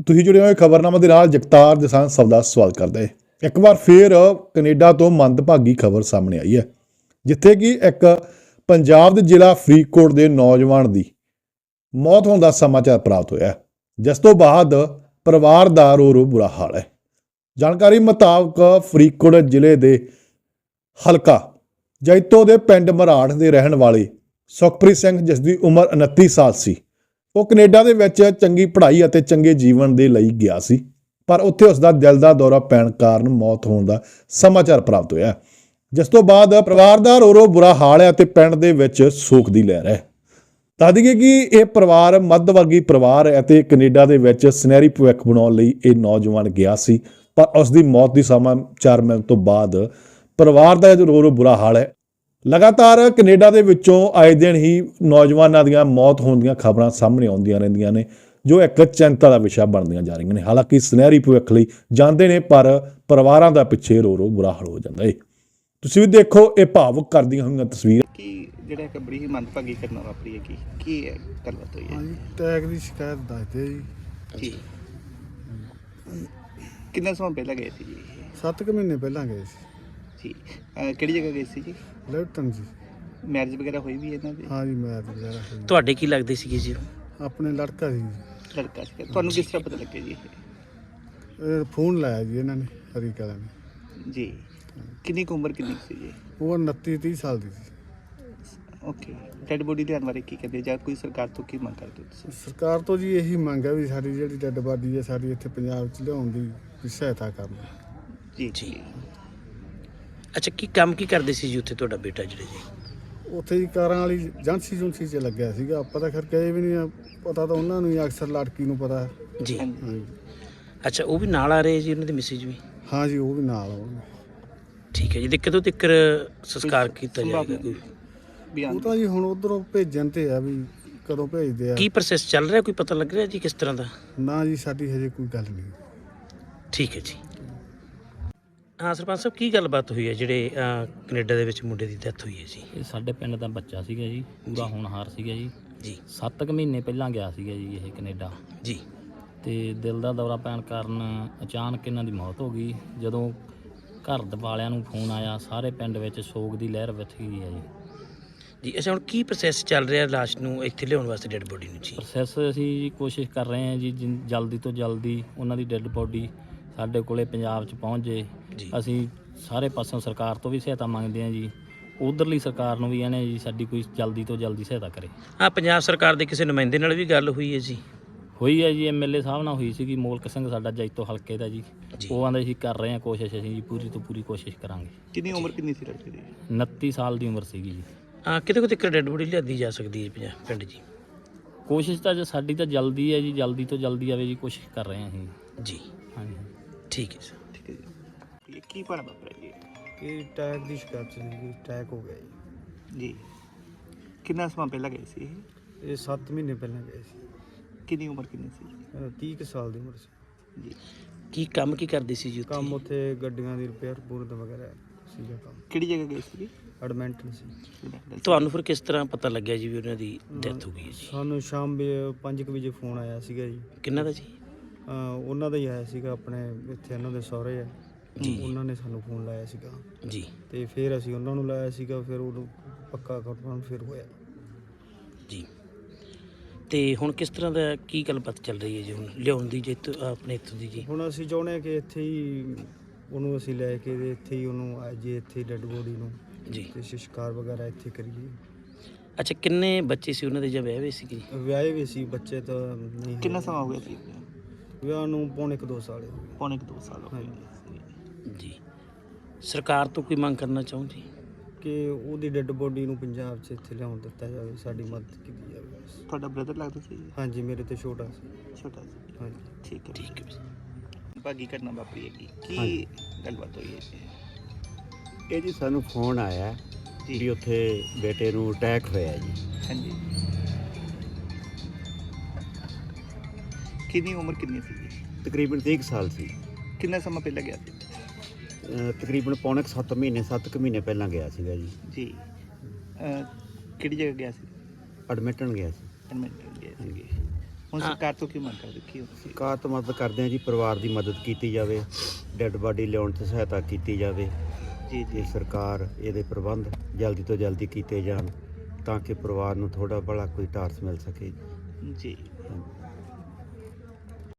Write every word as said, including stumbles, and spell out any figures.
ਤੁਸੀਂ ਜੁੜੇ ਹੋਏ ਖਬਰਨਾਮਾ ਦੇ ਨਾਲ ਜਗਤਾਰ ਜਸਾਨ ਸਭ ਦਾ ਸਵਾਗਤ ਕਰਦਾ ਹੈ। ਇੱਕ ਵਾਰ ਫੇਰ ਕੈਨੇਡਾ ਤੋਂ ਮੰਦਭਾਗੀ ਖਬਰ ਸਾਹਮਣੇ ਆਈ ਹੈ, ਜਿੱਥੇ ਕਿ ਇੱਕ ਪੰਜਾਬ ਦੇ ਜ਼ਿਲ੍ਹਾ ਫਰੀਦਕੋਟ ਦੇ ਨੌਜਵਾਨ ਦੀ ਮੌਤ ਹੋਣ ਦਾ ਸਮਾਚਾਰ ਪ੍ਰਾਪਤ ਹੋਇਆ, ਜਿਸ ਤੋਂ ਬਾਅਦ ਪਰਿਵਾਰ ਦਾ ਰੋ ਰੋ ਬੁਰਾ ਹਾਲ ਹੈ। ਜਾਣਕਾਰੀ ਮੁਤਾਬਕ ਫਰੀਦਕੋਟ ਜ਼ਿਲ੍ਹੇ ਦੇ ਹਲਕਾ ਜੈਤੋ ਦੇ ਪਿੰਡ ਮਰਾੜ ਦੇ ਰਹਿਣ ਵਾਲੇ ਸੁਖਪ੍ਰੀਤ ਸਿੰਘ, ਜਿਸ ਦੀ ਉਮਰ ਉਨੱਤੀ ਸਾਲ ਸੀ, ਉਹ ਕੈਨੇਡਾ ਦੇ ਵਿੱਚ ਚੰਗੀ ਪੜ੍ਹਾਈ ਅਤੇ ਚੰਗੇ ਜੀਵਨ ਦੇ ਲਈ ਗਿਆ ਸੀ, ਪਰ ਉੱਥੇ ਉਸ ਦਾ ਦਿਲ ਦਾ ਦੌਰਾ ਪੈਣ ਕਾਰਨ ਮੌਤ ਹੋਣ ਦਾ ਸਮਾਚਾਰ ਪ੍ਰਾਪਤ ਹੋਇਆ, ਜਿਸ ਤੋਂ ਬਾਅਦ ਪਰਿਵਾਰ ਦਾ ਰੋ ਰੋ ਬੁਰਾ ਹਾਲ ਹੈ ਅਤੇ ਪਿੰਡ ਦੇ ਵਿੱਚ ਸੋਗ ਦੀ ਲਹਿਰ ਹੈ। ਦੱਸ ਦਈਏ ਕਿ ਇਹ ਪਰਿਵਾਰ ਮੱਧ ਵਰਗੀ ਪਰਿਵਾਰ ਹੈ ਅਤੇ ਕੈਨੇਡਾ ਦੇ ਵਿੱਚ ਸੁਨਹਿਰੀ ਭਵਿੱਖ ਬਣਾਉਣ ਲਈ ਇਹ ਨੌਜਵਾਨ ਗਿਆ ਸੀ, ਪਰ ਉਸ ਦੀ ਮੌਤ ਦੀ ਸਮਾਚਾਰ ਮਿਲਣ ਤੋਂ ਬਾਅਦ ਪਰਿਵਾਰ ਦਾ ਰੋ ਰੋ ਬੁਰਾ ਹਾਲ ਹੈ। ਲਗਾਤਾਰ ਕੈਨੇਡਾ ਦੇ ਵਿੱਚੋਂ ਆਏ ਦਿਨ ਹੀ ਨੌਜਵਾਨਾਂ ਦੀਆਂ ਮੌਤ ਹੋਣ ਦੀਆਂ ਖਬਰਾਂ ਸਾਹਮਣੇ ਆਉਂਦੀਆਂ ਰਹਿੰਦੀਆਂ ਨੇ, ਜੋ ਇੱਕ ਚਿੰਤਾ ਦਾ ਵਿਸ਼ਾ ਬਣਦੀਆਂ ਜਾ ਰਹੀਆਂ ਨੇ। ਹਾਲਾਂਕਿ ਸੁਨਹਿਰੀ ਭਵਿੱਖ ਲਈ ਜਾਂਦੇ ਨੇ, ਪਰ ਪਰਿਵਾਰਾਂ ਦਾ ਪਿੱਛੇ ਰੋ ਰੋ ਬੁਰਾ ਹਾਲ ਹੋ ਜਾਂਦਾ ਹੈ। ਤੁਸੀਂ ਵੀ ਦੇਖੋ ਇਹ ਭਾਵੁਕ ਕਰਦੀਆਂ ਹੋਈਆਂ ਤਸਵੀਰਾਂ। ਕਿ ਜਿਹੜਾ ਇੱਕ ਬੜੀ ਹੀ ਮੰਦਭਾਗੀ ਘਟਨਾ ਵਾਪਰੀ ਹੈ, ਕੀ ਕੀ ਹੈ ਗੱਲਬਾਤ ਹੋਈ ਹੈ? ਹਾਂਜੀ, ਟੈਗ ਦੀ ਸ਼ਿਕਾਇਤ ਦੱਸਦੇ ਜੀ। ਜੀ ਕਿੰਨਾ ਸਮਾਂ ਪਹਿਲਾਂ ਗਏ ਸੀ ਜੀ? ਸੱਤ ਕੁ ਮਹੀਨੇ ਪਹਿਲਾਂ ਗਏ ਸੀ ਜੀ ਅਹ ਕਿਹੜੀ ਜਗ੍ਹਾ ਗਏ ਸੀ ਜੀ? ਲੈਫਟਨ ਜੀ। ਮੈਰਿਜ ਵਗੈਰਾ ਹੋਈ ਵੀ ਇਹਨਾਂ ਦੀ? ਹਾਂ ਜੀ, ਮੈਚ ਵਗੈਰਾ ਹੋਈ। ਤੁਹਾਡੇ ਕੀ ਲੱਗਦੇ ਸੀਗੇ ਜੀ? ਆਪਣੇ ਲੜਕਾ ਸੀ ਜੀ। ਲੜਕਾ ਸੀ। ਤੁਹਾਨੂੰ ਕਿਸ ਤਰ੍ਹਾਂ ਪਤਾ ਲੱਗਿਆ ਜੀ? ਇਹ ਫੋਨ ਲਾਇਆ ਜੀ ਇਹਨਾਂ ਨੇ, ਹਰੀ ਕਲਾ ਨੇ ਜੀ ਕਿੰਨੀ ਕੁ ਉਮਰ ਕਿੰਨੀ ਕੁ ਸੀ ਜੀ? ਉਹ ਉਨੱਤੀ ਤੀਹ ਸਾਲ ਦੀ ਸੀ। ਓਕੇ, ਡੈਡ ਬੋਡੀ ਲਿਆਉਣ ਬਾਰੇ ਕੀ ਕਹਿੰਦੇ, ਜਾਂ ਕੋਈ ਸਰਕਾਰ ਤੋਂ ਕੀ ਮੰਗ ਕਰਦੇ ਹੋ ਤੁਸੀਂ? ਸਰਕਾਰ ਤੋਂ ਜੀ ਇਹੀ ਮੰਗ ਹੈ ਵੀ ਸਾਡੀ ਜਿਹੜੀ ਡੈੱਡ ਬਾਡੀ ਹੈ ਸਾਡੀ ਇੱਥੇ ਪੰਜਾਬ 'ਚ ਲਿਆਉਣ ਦੀ ਵੀ ਸਹਾਇਤਾ ਕਰਨ। ਜੀ ਜੀ ਅੱਛਾ, ਕੀ ਕੰਮ ਕੀ ਕਰਦੇ ਸੀ ਜੀ ਉੱਥੇ ਤੁਹਾਡਾ ਬੇਟਾ ਜਿਹੜੇ ਜੀ? ਉੱਥੇ ਹੀ ਕਾਰਾਂ ਵਾਲੀ ਏਜੰਸੀ ਜੁੰਸੀ 'ਚ ਲੱਗਿਆ ਸੀਗਾ। ਆਪਾਂ ਤਾਂ ਖਰ ਗਏ ਵੀ ਨਹੀਂ ਆ, ਪਤਾ ਤਾਂ ਉਹਨਾਂ ਨੂੰ ਹੀ ਅਕਸਰ ਲੜਕੀ ਨੂੰ ਪਤਾ। ਜੀ ਹਾਂਜੀ। ਅੱਛਾ, ਉਹ ਵੀ ਨਾਲ ਆ ਰਹੇ ਜੀ, ਉਹਨਾਂ ਦੇ ਮਿਸਿਜ ਵੀ? ਹਾਂ ਜੀ, ਉਹ ਵੀ ਨਾਲ ਆਉਣਗੇ। ਠੀਕ ਹੈ ਜੀ। ਤੇ ਕਦੋਂ ਤੱਕ ਸੰਸਕਾਰ ਕੀਤਾ ਜਾਏਗਾ? ਕੋਈ ਬਿਆਨ ਉਹ ਤਾਂ ਜੀ ਹੁਣ ਉਧਰੋਂ ਭੇਜਣ ਤੇ ਆ ਵੀ ਕਦੋਂ ਭੇਜਦੇ ਆ। ਕੀ ਪ੍ਰੋਸੈਸ ਚੱਲ ਰਿਹਾ, ਕੋਈ ਪਤਾ ਲੱਗ ਰਿਹਾ ਜੀ ਕਿਸ ਤਰ੍ਹਾਂ ਦਾ? ਨਾ ਜੀ, ਸਾਡੀ ਹਜੇ ਕੋਈ ਗੱਲ ਨਹੀਂ। ਠੀਕ ਹੈ ਜੀ। ਹਾਂ ਸਰਪੰਚ ਸਾਹਿਬ, ਕੀ ਗੱਲਬਾਤ ਹੋਈ ਹੈ ਜਿਹੜੇ ਅਹ, ਕੈਨੇਡਾ ਦੇ ਵਿੱਚ ਮੁੰਡੇ ਦੀ ਡੈਥ ਹੋਈ ਹੈ ਜੀ? ਇਹ ਸਾਡੇ ਪਿੰਡ ਦਾ ਬੱਚਾ ਸੀਗਾ ਜੀ, ਪੂਰਾ ਹੋਣਹਾਰ ਸੀਗਾ ਜੀ। ਜੀ ਸੱਤ ਕੁ ਮਹੀਨੇ ਪਹਿਲਾਂ ਗਿਆ ਸੀਗਾ ਜੀ ਇਹ ਕੈਨੇਡਾ, ਜੀ ਤੇ ਦਿਲ ਦਾ ਦੌਰਾ ਪੈਣ ਕਾਰਨ ਅਚਾਨਕ ਇਹਨਾਂ ਦੀ ਮੌਤ ਹੋ ਗਈ। ਜਦੋਂ ਘਰ ਦੇ ਵਾਲਿਆਂ ਨੂੰ ਫੋਨ ਆਇਆ, ਸਾਰੇ ਪਿੰਡ ਵਿੱਚ ਸੋਗ ਦੀ ਲਹਿਰ ਵਿਛ ਗਈ ਹੈ ਜੀ। ਜੀ ਅੱਛਾ, ਹੁਣ ਕੀ ਪ੍ਰੋਸੈਸ ਚੱਲ ਰਿਹਾ ਲਾਸ਼ ਨੂੰ ਇੱਥੇ ਲਿਆਉਣ ਵਾਸਤੇ, ਡੈਡ ਬੋਡੀ ਨੂੰ ਜੀ? ਪ੍ਰੋਸੈਸ ਅਸੀਂ ਜੀ ਕੋਸ਼ਿਸ਼ ਕਰ ਰਹੇ ਹਾਂ ਜੀ, ਜਿਨ- ਜਲਦੀ ਤੋਂ ਜਲਦੀ ਉਹਨਾਂ ਦੀ ਡੈੱਡ ਬੋਡੀ ਸਾਡੇ ਕੋਲੇ ਪੰਜਾਬ 'ਚ ਪਹੁੰਚ ਜੇ। ਜੀ ਅਸੀਂ ਸਾਰੇ ਪਾਸੋਂ ਸਰਕਾਰ ਤੋਂ ਵੀ ਸਹਾਇਤਾ ਮੰਗਦੇ ਹਾਂ ਜੀ, ਉਧਰਲੀ ਸਰਕਾਰ ਨੂੰ ਵੀ ਇਹਨੇ ਜੀ ਸਾਡੀ ਕੋਈ ਜਲਦੀ ਤੋਂ ਜਲਦੀ ਸਹਾਇਤਾ ਕਰੇ। ਹਾਂ, ਪੰਜਾਬ ਸਰਕਾਰ ਦੇ ਕਿਸੇ ਨੁਮਾਇੰਦੇ ਨਾਲ ਵੀ ਗੱਲ ਹੋਈ ਹੈ ਜੀ? ਹੋਈ ਹੈ ਜੀ, ਐਮ ਐਲ ਏ ਸਾਹਿਬ ਨਾਲ ਹੋਈ ਸੀਗੀ, ਮੋਲਕ ਸਿੰਘ ਸਾਡਾ ਜੈਤੋ ਹਲਕੇ ਦਾ ਜੀ। ਜੀ। ਉਹ ਆਂਦੇ ਸੀ ਕਰ ਰਹੇ ਹਾਂ ਕੋਸ਼ਿਸ਼, ਅਸੀਂ ਜੀ ਪੂਰੀ ਤੋਂ ਪੂਰੀ ਕੋਸ਼ਿਸ਼ ਕਰਾਂਗੇ। ਕਿੰਨੀ ਉਮਰ ਕਿੰਨੀ ਸੀ ਲੜਕੇ ਦੀ? ਉਨੱਤੀ ਸਾਲ ਦੀ ਉਮਰ ਸੀਗੀ ਜੀ। ਹਾਂ, ਕਿਤੇ ਕਿਤੇ ਡੈਡ ਬੋਡੀ ਲਿਆਦੀ ਜਾ ਸਕਦੀ ਹੈ ਪੰਜਾਬ ਪਿੰਡ ਜੀ? ਕੋਸ਼ਿਸ਼ ਤਾਂ ਜੀ ਸਾਡੀ ਤਾਂ ਜਲਦੀ ਹੈ ਜੀ, ਜਲਦੀ ਤੋਂ ਜਲਦੀ ਆਵੇ ਜੀ, ਕੋਸ਼ਿਸ਼ ਕਰ ਰਹੇ ਹਾਂ ਅਸੀਂ ਜੀ ਹਾਂਜੀ। ਠੀਕ ਹੈ ਸਰ। ਠੀਕ ਹੈ ਜੀ। ਇਹ ਕੀ ਭਾਣਾ ਵਾਪਰਿਆ ਜੀ? ਇਹ ਟੈਗ ਦੀ ਸ਼ਿਕਾਇਤ ਸੀ, ਟੈਗ ਹੋ ਗਿਆ ਜੀ। ਜੀ ਕਿੰਨਾ ਸਮਾਂ ਪਹਿਲਾਂ ਗਏ ਸੀ ਇਹ? ਇਹ ਸੱਤ ਮਹੀਨੇ ਪਹਿਲਾਂ ਗਏ ਸੀ। ਕਿੰਨੀ ਉਮਰ ਕਿੰਨੀ ਸੀ? ਅਹ ਤੀਹ ਕੁ ਸਾਲ ਦੀ ਉਮਰ ਸੀ। ਜੀ ਕੀ ਕੰਮ ਕੀ ਕਰਦੇ ਸੀ ਜੀ ਉੱਥੇ? ਕੰਮ ਉੱਥੇ ਗੱਡੀਆਂ ਦੀ ਰਿਪੇਅਰ ਪੂਰਤ ਵਗੈਰਾ ਸੀਗਾ ਕੰਮ। ਕਿਹੜੀ ਜਗ੍ਹਾ ਗਏ ਸੀ? ਐਡਮਿੰਟਨ ਸੀ। ਤੁਹਾਨੂੰ ਫਿਰ ਕਿਸ ਤਰ੍ਹਾਂ ਪਤਾ ਲੱਗਿਆ ਜੀ ਵੀ ਉਹਨਾਂ ਦੀ ਡੈਥ ਹੋ ਗਈ ਹੈ ਜੀ? ਸਾਨੂੰ ਸ਼ਾਮ ਵੇ ਪੰਜ ਕੁ ਵਜੇ ਫੋਨ ਆਇਆ ਸੀਗਾ ਜੀ। ਕਿੰਨਾ ਦਾ ਜੀ? ਅਹ ਉਹਨਾਂ ਦਾ ਹੀ ਆਇਆ ਸੀਗਾ, ਆਪਣੇ ਇੱਥੇ ਉਹਨਾਂ ਦੇ ਸਹੁਰੇ ਆ ਜੀ। ਉਹਨਾਂ ਨੇ ਸਾਨੂੰ ਫੋਨ ਲਾਇਆ ਸੀਗਾ, ਜੀ ਤੇ ਫਿਰ ਅਸੀਂ ਉਹਨਾਂ ਨੂੰ ਲਾਇਆ ਸੀਗਾ, ਫਿਰ ਉਹਨੂੰ ਪੱਕਾ ਕਨਫਰਮ ਫਿਰ ਹੋਇਆ ਜੀ। ਤੇ ਹੁਣ ਕਿਸ ਤਰ੍ਹਾਂ ਦਾ ਕੀ ਗੱਲਬਾਤ ਚੱਲ ਰਹੀ ਹੈ ਜੀ ਹੁਣ ਲਿਆਉਣ ਦੀ ਜੇ ਇੱਥੋਂ- ਆਪਣੇ ਇੱਥੋਂ ਦੀ ਜੀ? ਹੁਣ ਅਸੀਂ ਚਾਹੁੰਦੇ ਹਾਂ ਕਿ ਇੱਥੇ ਹੀ ਉਹਨੂੰ ਅਸੀਂ ਲੈ ਕੇ ਤੇ ਇੱਥੇ ਹੀ ਉਹਨੂੰ ਆ ਜੇ ਇੱਥੇ ਡੈੱਡ ਬੋਡੀ ਨੂੰ ਜੀ ਤੇ ਸੰਸਕਾਰ ਵਗੈਰਾ ਇੱਥੇ ਕਰੀਏ। ਅੱਛਾ, ਕਿੰਨੇ ਬੱਚੇ ਸੀ ਉਹਨਾਂ ਦੇ ਜਾਂ ਵਿਆਹ ਹੋਏ ਸੀ ਜੀ? ਵਿਆਹੇ ਵੀ ਸੀ ਬੱਚੇ ਤਾਂ ਨਹੀਂ। ਕਿੰਨਾ ਸਮਾਂ ਹੋ ਗਿਆ ਸੀ? ਵਿਆਹ ਨੂੰ ਪੌਣੇ ਕੁ ਦੋ ਸਾਲ ਹੋ ਗਏ। ਪੌਣੇ ਕੁ ਦੋ ਸਾਲ ਹੋ ਗਏ ਜੀ। ਸਰਕਾਰ ਤੋਂ ਕੋਈ ਮੰਗ ਕਰਨਾ ਚਾਹੋ ਜੀ ਕਿ ਉਹਦੀ ਡੈੱਡ ਬੋਡੀ ਨੂੰ ਪੰਜਾਬ 'ਚ ਇੱਥੇ ਲਿਆਉਣ ਦਿੱਤਾ ਜਾਵੇ, ਸਾਡੀ ਮਦਦ ਕੀਤੀ ਜਾਵੇ ਬਸ। ਤੁਹਾਡਾ ਬ੍ਰਦਰ ਲੱਗਦਾ ਸੀ? ਹਾਂਜੀ, ਮੇਰੇ ਤੇ ਛੋਟਾ ਸੀ। ਛੋਟਾ ਸੀ। ਹਾਂਜੀ। ਠੀਕ ਹੈ ਠੀਕ ਹੈ। ਭਾਗੀ ਘਟਨਾ ਵਾਪਰੀ ਹੈ, ਕੀ ਹਾਂਜੀ। ਗੱਲਬਾਤ ਹੋਈ ਹੈ ਜੀ? ਇਹ ਜੀ ਸਾਨੂੰ ਫੋਨ ਆਇਆ ਜੀ ਵੀ ਉੱਥੇ ਬੇਟੇ ਨੂੰ ਅਟੈਕ ਹੋਇਆ ਜੀ। ਹਾਂਜੀ। ਕਿੰਨੀ ਉਮਰ ਕਿੰਨੀ ਸੀ ਜੀ? ਤਕਰੀਬਨ ਤੀਹ ਕੁ ਸਾਲ ਸੀ। ਕਿੰਨਾ ਸਮਾਂ ਪਹਿਲਾਂ ਗਿਆ ਸੀ? ਅਹ ਤਕਰੀਬਨ ਪੌਣੇ ਕੁ ਸੱਤ ਮਹੀਨੇ ਸੱਤ ਕੁ ਮਹੀਨੇ ਪਹਿਲਾਂ ਗਿਆ ਸੀਗਾ ਜੀ। ਜੀ ਅਹ, ਕਿਹੜੀ ਜਗ੍ਹਾ ਗਿਆ ਸੀ? ਐਡਮਿਟਣ ਗਿਆ ਸੀ। ਐਡਮਿਟ ਗਿਆ ਸੀ। ਹੁਣ ਹਾਂ। ਸਰਕਾਰ ਤੋਂ ਕੀ ਮੰਗ ਕਰਦੇ ਕੀ ਹੋ ਸਰਕਾਰ ਤੋਂ ਮਦਦ ਕਰਦੇ ਹਾਂ ਜੀ, ਪਰਿਵਾਰ ਦੀ ਮਦਦ ਕੀਤੀ ਜਾਵੇ, ਡੈੱਡ ਬਾਡੀ ਲਿਆਉਣ 'ਚ ਸਹਾਇਤਾ ਕੀਤੀ ਜਾਵੇ ਜੀ ਤੇ ਜੀ ਸਰਕਾਰ ਇਹਦੇ ਪ੍ਰਬੰਧ ਜਲਦੀ ਤੋਂ ਜਲਦੀ ਕੀਤੇ ਜਾਣ ਤਾਂ ਕਿ ਪਰਿਵਾਰ ਨੂੰ ਥੋੜਾ ਭਲਾ ਕੋਈ ਟਾਰਸ ਮਿਲ ਸਕੇ। ਜੀ ਹਾਂਜੀ।